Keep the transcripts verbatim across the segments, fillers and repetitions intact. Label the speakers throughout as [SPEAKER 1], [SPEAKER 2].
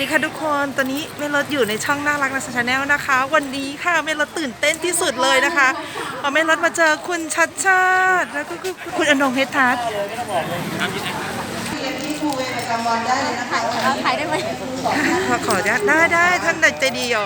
[SPEAKER 1] ดีค่ะทุกคนตอนนี้เมลดอยู่ในช่องน่ารักนะชาแนลนะคะวันนี้ค่ะเมลดตื่นเต้นที่สุดเลยนะคะพอเมลดมาเจอคุณชัดชาติแล้วก็คุณอนงเฮดทัศน์
[SPEAKER 2] ที่ทูเวประจำวันได้เลยนะคะ
[SPEAKER 3] ถ่ายได้ไหม
[SPEAKER 1] ขอขอได้ได้ท่านใจดีอ่ะ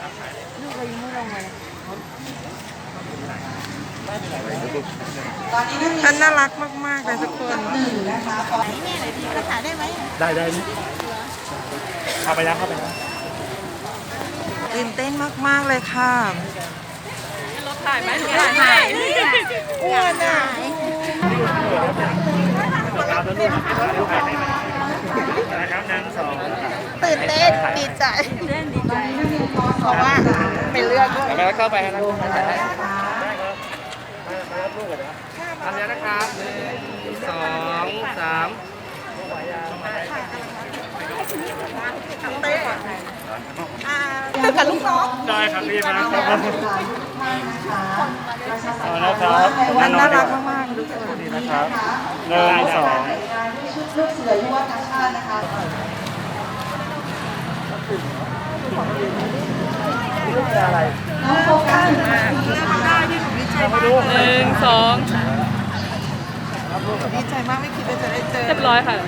[SPEAKER 1] ท่านน่ารักมากๆเลยทุกคน
[SPEAKER 3] ถ่ายได้ไหม
[SPEAKER 4] ได้ได้เข้าไปนะเข้าไปนะ
[SPEAKER 1] ตื่นเต้นมากๆเลยค่ะ
[SPEAKER 3] รถถ่ายไหมถ่ายอ้วนอ่ะ
[SPEAKER 4] นะครับหนึ่งสอง
[SPEAKER 1] ตื่นเต้นดีใจ
[SPEAKER 3] เล่นดีใจ
[SPEAKER 1] เพราะว่าเป็นเลือกด้วย
[SPEAKER 4] แล้วเข้าไปนะได้ครับมารับลูกก่อนนะทำแล้วนะครับหนึ่งสองสาม
[SPEAKER 1] กับลูกน้อง
[SPEAKER 4] ได้ครับรีบนะครับเอาละครับ
[SPEAKER 1] น่ารักมากๆทุกคน
[SPEAKER 4] นี่นะครับหนึ่งสอง
[SPEAKER 2] ลูกเสือยุวกาชาตินะคะ
[SPEAKER 4] อะไร
[SPEAKER 2] น้องโฟกัส
[SPEAKER 4] หนึ่งสอง
[SPEAKER 1] ดีใจมากไม่คิดว่าจะได้เจอ
[SPEAKER 3] เรียบร้อยค่ะ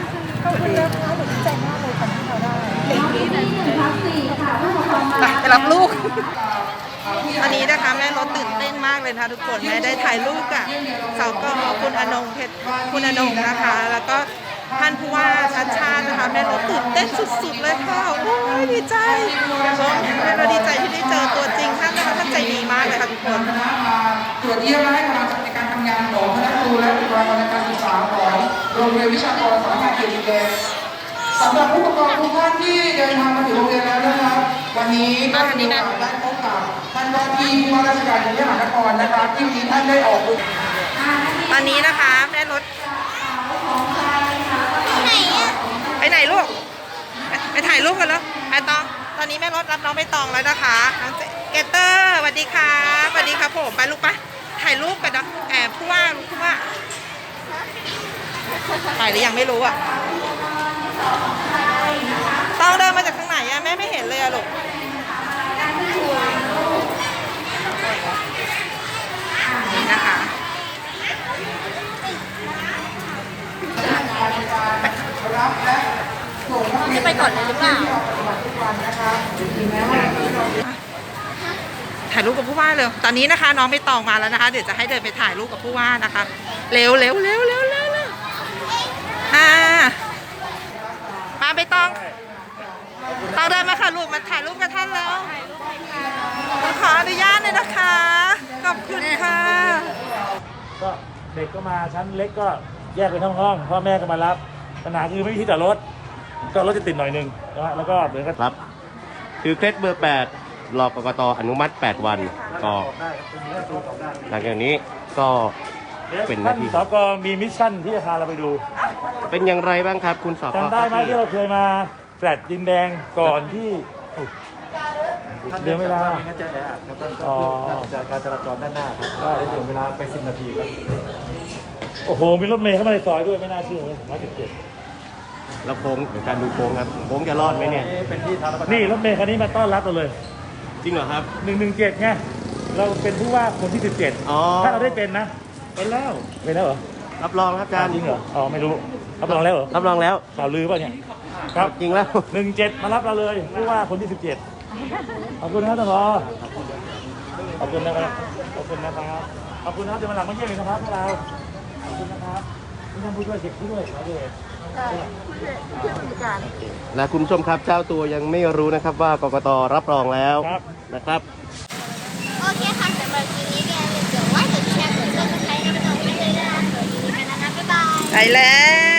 [SPEAKER 1] ไปรับลูกอันนี้นะคะแม่รถตื่นเต้นมากเลยนะคะทุกคนแม่ได้ถ่ายรูปกับสาวก็คุณอนงเพชรคุณอนงนะคะ แล้วก็ท่านผู้ว่าชัดชาตินะคะแม่รถตื่นเต้นสุดๆเลยค่ะโอ้ยดีใจแม่รถดีใจที่ได้เจอตัวจริงท่านนะคะท่านใจดีมากเลยค่ะทุกคน
[SPEAKER 2] ตรวจเยี่ยมและให้กำลังใจในการทำงานของคณะครูและบุคลากรในการศึกษาของโรงเรียนวิชากรสาขาเขตดินแดงสำหรับผู้ปกครองทุกท่านที่เดินทางมาถึงโรงเรียนแล้วนะครับวันนี้ก็มีโอกาสได้พบกับท่านว่าที่ผู้ว่าราชการกรุงเทพมหานครนะครับที่มีท่านได้ออกบุญ
[SPEAKER 1] ตอนนี้นะคะแม่รถไปไหนลูกไปถ่ายรูปกันแล้วไปตองตอนนี้แม่รถรับน้องไปตองแล้วนะคะน้องเกเตอร์สวัสดีค่ะสวัสดีครับผมไปลูกปะถ่ายรูปกันนะแอบผู้ว่าผู้ว่าถ่ายหรือยังไม่รู้อ่ะต้องเดินมาจากทางไหนอะแม่ไม่เห็นเลยอะลูกนี่นะคะ
[SPEAKER 3] จะไปก่อนเลยหรือเปล่า
[SPEAKER 1] ถ่ายรูปกับผู้ว่าเร็วตอนนี้นะคะน้องไม่ตองมาแล้วนะคะเดี๋ยวจะให้เดินไปถ่ายรูปกับผู้ว่านะคะเร็วเร็วเร็วเร็วเร็วเร็วอ่ามาไปตองตองเดินมาค่ะลูกมาถ่ายรูปกับท่านแล้วขออนุญาตเลยนะคะขอบคุณค่ะ
[SPEAKER 4] ก็เด็กก็มาชั้นเล็กก็แยกไปทั้งห้องพ่อแม่ก็มารับปัญหาคือไม่มีที่จอดรถก็รถจะติดหน่อยนึงนะแล้วก็เหมือนกัน
[SPEAKER 5] ครับคือเคล็ดเบอร์แปดรอกกตอนุมัติแปดวันก็หลังจากนี้ก็เป็นหน้าที่
[SPEAKER 4] สกมีมิชชั่นที่จะพาเราไปดู
[SPEAKER 5] เป็นอย่างไรบ้างครับคุณสก
[SPEAKER 4] จำได้ไหมที่เราเคยมาแฟลตดินแดงก่อนที่เดือนเวลาอ๋อจากการจราจรด้านหน้าครับก็ได้เดือนเวลาไปสิบนาทีครับโอ้โหมีรถเมล์เข้ามาในซอยด้วยไม่น่าเชื่อเลยร้อยสิบเจ็ด
[SPEAKER 5] แล้วโค้งการดูโค้งครับโค้งจะรอดไหมเนี่ย
[SPEAKER 4] นี่รถเมล์คันนี้มาต้อนรับเราเลย
[SPEAKER 5] จริงเหรอครับ
[SPEAKER 4] หนึ่งหนึ่งเจ็ดไงเราเป็นผู้ว่าคนที่สิบเจ็ดถ้าเราได้เป็นนะเป็นแล้วเป็นแล้วเหรอ
[SPEAKER 5] รับรองครับอาจารย์
[SPEAKER 4] จริงเหรออ๋อไม่รู้รับรองแล้วเหรอ
[SPEAKER 5] รับรองแล้ว
[SPEAKER 4] ข่าวลือป่ะเนี่ยครับ
[SPEAKER 5] จริงแล้ว
[SPEAKER 4] หนึ่งเจ็ดมารับเราเลยผู้ว่าคนที่สิบเจ็ดขอบคุณครับท่านผอขอบคุณนะครับขอบคุณนะครับขอบคุณนะครับเดี๋ยวมาหลังมาเยี่ยมอีกนะครับพวกเราขอบคุณนะครับท่านผู้ช่วยเช็คผู้ด้วยขอด้วย
[SPEAKER 5] และคุณผู้ชมครับเจ้าตัวยังไม่รู้นะครับว่ากกตรับรองแล้วนะครับ
[SPEAKER 3] โอเคค่ะสำหรับคลิปนี้แกเดี๋ยวว่าจะแชร์กดซับสไครต์ให้น้องๆไม่เลยนะคะสวัสดีกันนะคะบ๊ายบาย
[SPEAKER 1] ไปแล้ว